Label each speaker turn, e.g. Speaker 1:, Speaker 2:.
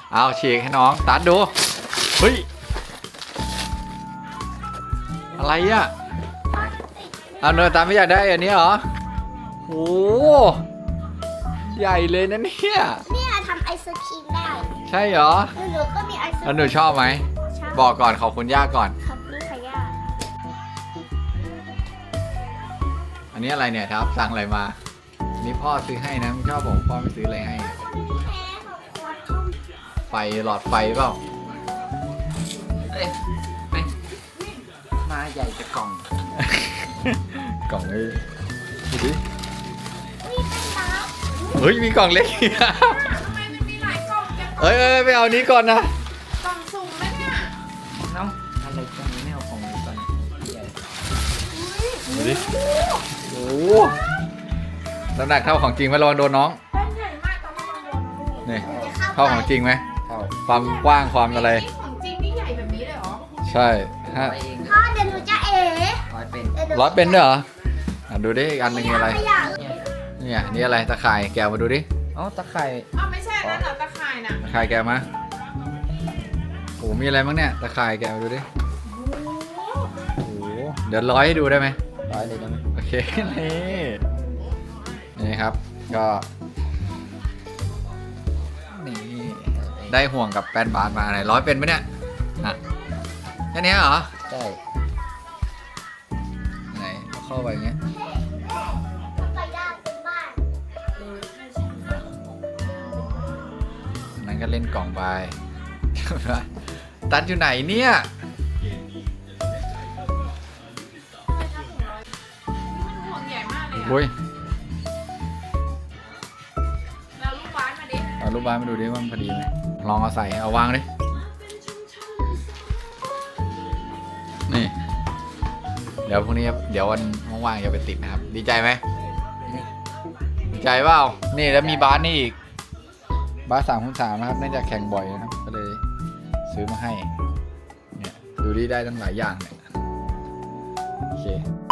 Speaker 1: เอาฉีกให้น้องตัดดูเฮ้ยอะไรอ่ะเอาเนยตามไม่อยากได้อันนี้เหรอโอ้ใหญ่เลยนะเนี่ย
Speaker 2: เนี่ยทำไอศครีมได้
Speaker 1: ใช่เหรอ
Speaker 2: หนูก็มีไอศครีม
Speaker 1: แล้วหนูชอบไหมบอกก่อนขอบคุณย่าก่อน
Speaker 2: ครับนี่ค่ะย่า
Speaker 1: อันนี้อะไรเนี่ยครับสั่งอะไรมานี่พ่อซื้อให้นะมึงชอบผมพ่อไม่ซื้ออะไรให้ไฟหลอดไฟเปล่า
Speaker 3: มาใหญ่จะกล่อง
Speaker 1: กล่องนี้ดูดิ
Speaker 2: นี่เป็นน้ำ
Speaker 1: เฮ้ยมีกล่องเล็ก
Speaker 4: ทำไมมันมีหลายกล่องจัง
Speaker 1: เอ้ยไปเอานี้ก่อนนะ
Speaker 4: กล่องสุ่มไหมเนี่ย
Speaker 3: น้องอะไรกล่องนี้ไม่เอากล่องนี้ก่อนใหญ่
Speaker 1: ดูดิโอ้น้ำหนักเท่าของจริงไหมระวังโดนน้อง
Speaker 4: แป้นใหญ่มากแต่ว่ามันโดนลูก
Speaker 1: นี่เท่าของจริงไหม
Speaker 3: เท่า
Speaker 1: ความกว้างความอะไร
Speaker 4: นี่ของจริงนี่ใหญ่แบบนี้เลยเหรอ
Speaker 1: ใช่ฮะ
Speaker 3: ร้อยเอง
Speaker 2: พ่อเดี๋ยวหนูจะเอ๋
Speaker 3: ร้อยเป็น
Speaker 1: ร้อยเป็นด้วยเหรอดูดิอีกอันหนึงอะไร
Speaker 2: ไม่อยาก
Speaker 3: เนี่ย
Speaker 1: เนี่ยนี่อะไรตะข่ายแกะมาดูดิ
Speaker 3: อ๋อตะไคร่
Speaker 4: อ้าวไม่ใช่นั่นเหรอตะข่ายน่ะ
Speaker 1: ตะข่ายแกะมาโอ้มีอะไรบ้างเนี่ยตะข่ายแกะมาดูดิโอ้เดี๋ยวร้อยให้ดูได้ไหม
Speaker 3: ร้อยเลยได้ไหม
Speaker 1: โอเค นี่ครับก็นี่ได้ห่วงกับแป้นบาสมาไหนร้อยเป็นไหมเนี่ยอ่ะแค่นี้เหรอ
Speaker 3: ใช่
Speaker 1: ไหนเอาเข้าไปอย่างเงี้ย
Speaker 2: ไปได้เป็นบ้าน
Speaker 1: อันนั้นก็เล่นกล่องไป ตัดอยู่ไหนเนี่ย
Speaker 4: ห่วงใหญ่มากเลย
Speaker 1: โอ้ย
Speaker 4: แล้วลูกบาสมาดิ
Speaker 1: เอารูปบ้านมาดูดิว่ามันพอดีไหมลองเอาใส่เอาวางดินี่เดี๋ยวพรุ่งนี้เดี๋ยววันว่างๆจะไปติดนะครับดีใจไหมดีใจเปล่านี่แล้วมีบาสนี่อีกบาส3x3นะครับเนื่องจากแข่งบ่อยนะครับก็เลยซื้อมาให้เนี่ยดูดิได้ตั้งหลายอย่างเนี่ยโอเค